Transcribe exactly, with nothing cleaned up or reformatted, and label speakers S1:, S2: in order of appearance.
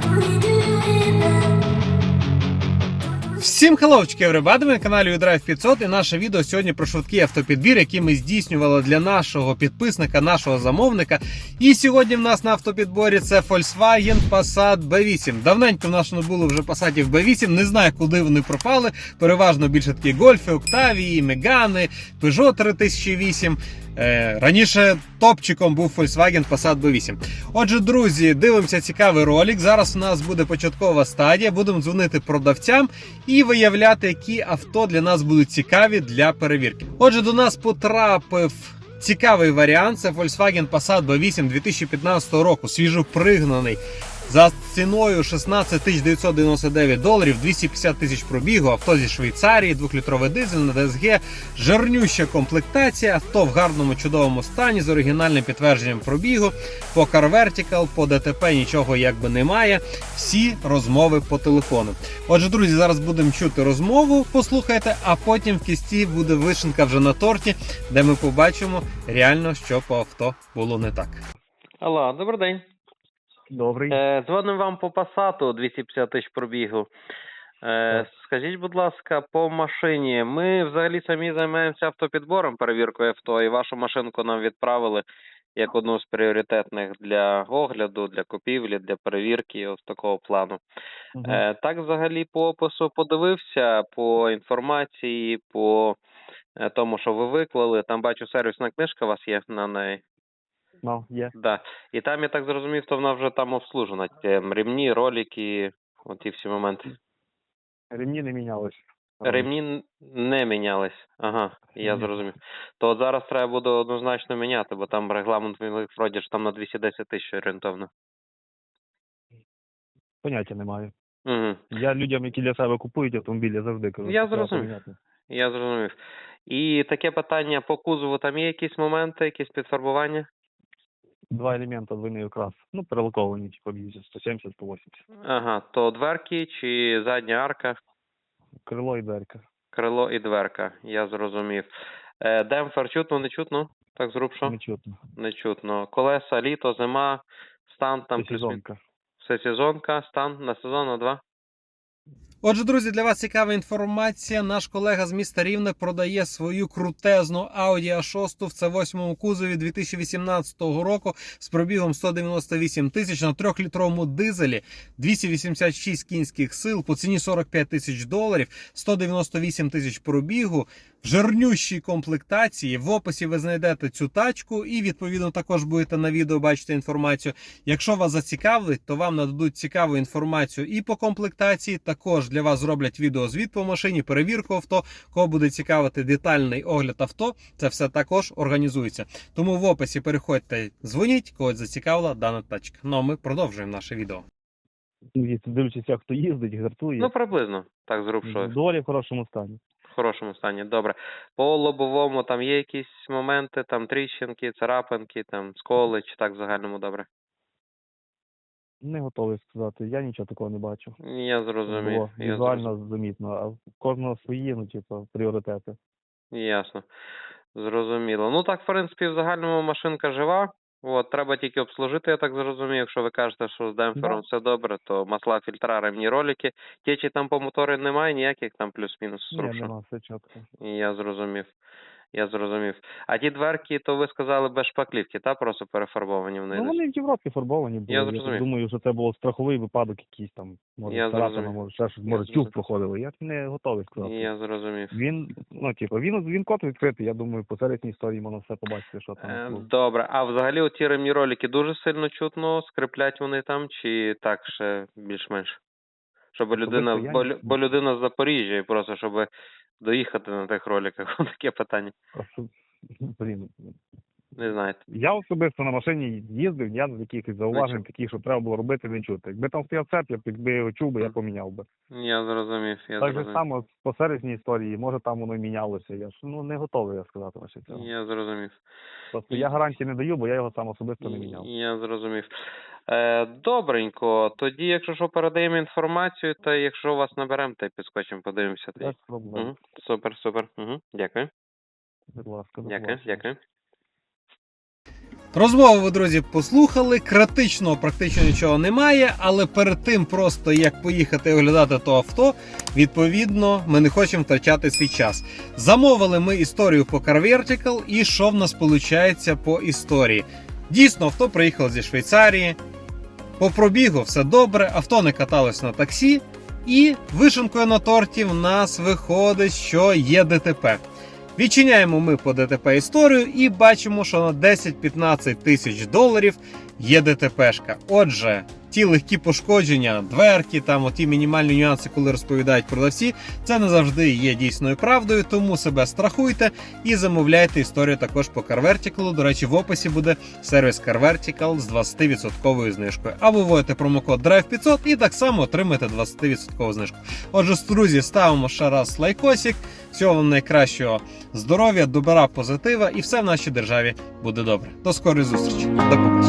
S1: Всім хеллоучки, everybody, ви на каналі Drive п'ятсот, і наше відео сьогодні про швидкий автопідбір, який ми здійснювали для нашого підписника, нашого замовника. І сьогодні в нас на автопідборі це Volkswagen Passat бі вісім. Давненько в нас не було вже Passatів бі вісім, не знаю, куди вони пропали. Переважно більше такі Гольфи, Октавії, Мегани, Peugeot три тисячі вісім. Раніше топчиком був Volkswagen Passat бі вісім. Отже, друзі, дивимося цікавий ролик. Зараз у нас буде початкова стадія. Будемо дзвонити продавцям і виявляти, які авто для нас будуть цікаві для перевірки. Отже, до нас потрапив цікавий варіант. Це Volkswagen Passat бі вісім дві тисячі п'ятнадцятого року. Свіжопригнаний. За ціною шістнадцять тисяч дев'ятсот дев'яносто дев'ять доларів, двісті п'ятдесят тисяч пробігу, авто зі Швейцарії, двохлітровий дизель на ді ес гі, жирнюща комплектація, авто в гарному чудовому стані з оригінальним підтвердженням пробігу, по Car Vertical, по ДТП нічого якби немає, всі розмови по телефону. Отже, друзі, зараз будемо чути розмову, послухайте, а потім в кінці буде вишенька вже на торті, де ми побачимо реально, що по авто було не так.
S2: Алло, добрий день.
S3: Добрий.
S2: Е, дзвонимо вам по Passat двісті п'ятдесят тисяч пробігу. Е, скажіть, будь ласка, по машині. Ми взагалі самі займаємося автопідбором, перевіркою авто, і вашу машинку нам відправили як одну з пріоритетних для огляду, для купівлі, для перевірки, ось такого плану.
S3: Угу.
S2: Е, так, взагалі, по опису подивився, по інформації, по е, тому, що ви виклали. Там, бачу, сервісна книжка у вас є на неї.
S3: Ну, є.
S2: Да. І там, я так зрозумів, то вона вже там обслужена. Ті ремні, ролики, от ті всі моменти.
S3: Ремні не мінялись.
S2: Ремні не мінялись. Ага, я
S3: Ні.
S2: зрозумів. То от зараз треба буде однозначно міняти, бо там регламент вроді ж там на двісті десять тисяч орієнтовно.
S3: Поняття немає.
S2: Угу.
S3: Я людям, які для себе купують автомобілі, завжди кажу.
S2: Я
S3: що треба
S2: зрозумів.
S3: поміняти.
S2: Я зрозумів. І таке питання по кузову, там є якісь моменти, якісь підфарбування?
S3: Два елемента двойний окрас. Ну, перелоковані, типу, б'ються сто сімдесят по вісімдесят.
S2: Ага, то дверки чи задня арка?
S3: Крило і дверка.
S2: Крило і дверка, я зрозумів. Е, демпфер чутно, не чутно? Так зрубшо?
S3: Не чутно.
S2: Не чутно. Колеса, літо, зима, стан там
S3: Це
S2: плюс
S3: сезонка.
S2: Все сезонка, стан на сезон, на два.
S1: Отже, друзі, для вас цікава інформація. Наш колега з міста Рівне продає свою крутезну Audi а шість в це восьмому кузові дві тисячі вісімнадцятого року з пробігом сто дев'яносто вісім тисяч на трьохлітровому дизелі, двісті вісімдесят шість кінських сил, по ціні сорок п'ять тисяч доларів, сто дев'яносто вісім тисяч пробігу, в жирнющій комплектації. В описі ви знайдете цю тачку і, відповідно, також будете на відео бачити інформацію. Якщо вас зацікавить, то вам нададуть цікаву інформацію і по комплектації. Також для вас зроблять відеозвіт по машині, перевірку авто. Кого буде цікавити детальний огляд авто, це все також організується. Тому в описі переходьте, дзвоніть, когось зацікавила дана тачка. Ну а ми продовжуємо наше відео.
S3: Дивлячись, як хто їздить, жартує.
S2: Ну, приблизно, так зрубшо.
S3: Доволі в хорошому стані.
S2: В хорошому стані, добре. По лобовому там є якісь моменти, там тріщинки, царапинки, там сколи, чи так в загальному добре?
S3: Не готовий сказати. Я нічого такого не бачу.
S2: Я зрозумів.
S3: Було
S2: Я
S3: візуально
S2: зрозумів.
S3: замітно. А в кожного свої, ну, типу, пріоритети.
S2: Ясно. Зрозуміло. Ну так, в принципі, в загальному машинка жива. От, треба тільки обслужити, я так зрозумів. Якщо ви кажете, що з демпфером
S3: Да.
S2: все добре, то масла, фільтра, ремні, ролики. Течі там по мотору немає ніяких, там плюс-мінус
S3: Ні,
S2: струбшо.
S3: нема, все чітко.
S2: Я зрозумів. Я зрозумів. А ті дверки, то ви сказали без шпаклівки, та? Просто перефарбовані вони.
S3: Ну, вони в Європі фарбовані були.
S2: Я
S3: Я,
S2: зрозумів.
S3: так думаю, що це був страховий випадок якийсь там. Може,
S2: Я
S3: царапина,
S2: зрозумів.
S3: може, ще щось,
S2: Я
S3: може,
S2: зрозумів.
S3: тюк проходили. Я не готовий сказати.
S2: Я зрозумів.
S3: Він, ну, типу, він, він код відкритий, я думаю, по середній історії можна все побачити, що там.
S2: Е,
S3: було.
S2: Добре. А взагалі оті ремні ролики дуже сильно чутно, скриплять вони там, чи так ще більш-менш? Щоб людина,
S3: Особисто я
S2: бо,
S3: ні.
S2: лю- бо людина з Запоріжжя, і просто щоб доїхати на тих роликах, таке питання.
S3: Просто, блін.
S2: Не знаєте.
S3: Я особисто на машині їздив, я з якихось зауважень
S2: чув.
S3: таких, що треба було робити, не чути. Якби там стояв цеп, я б якби його чув би, я
S2: Мгм.
S3: поміняв би.
S2: Я зрозумів, я
S3: Так же
S2: зрозумів.
S3: само по середній історії, може там воно й мінялося. Я ж ну не готовий я сказати ваше цього.
S2: Я зрозумів.
S3: Просто я гарантії не даю, бо я його сам особисто не міняв.
S2: Я зрозумів. Е, добренько. Тоді, якщо що, передаємо інформацію, то якщо вас наберемо, то й підскочимо, подивимося тоді.
S3: Без проблем.
S2: Угу. Супер, супер. Угу. Дякую.
S3: Будь ласка, до
S2: Дякую,
S3: побачення.
S2: дякую.
S1: Розмову ви, друзі, послухали, критичного практично нічого немає, але перед тим просто як поїхати оглядати то авто, відповідно, ми не хочемо втрачати свій час. Замовили ми історію по Car Vertical, і що в нас виходить по історії? Дійсно, авто приїхало зі Швейцарії, по пробігу все добре, авто не каталось на таксі, і вишенкою на торті в нас виходить, що є ДТП. Відчиняємо ми по ДТП історію і бачимо, що на десять-п'ятнадцять тисяч доларів є ДТПшка. Отже, ті легкі пошкодження, дверки, там оті мінімальні нюанси, коли розповідають продавці, це не завжди є дійсною правдою, тому себе страхуйте і замовляйте історію також по Car Vertical. До речі, в описі буде сервіс Car Vertical з двадцять відсотків знижкою. А ви вводите промокод драйв п'ятсот і так само отримаєте двадцять відсотків знижку. Отже, друзі, ставимо ще раз лайкосик. Всього вам найкращого здоров'я, добра, позитива і все в нашій державі буде добре. До скорої зустрічі. До побачення.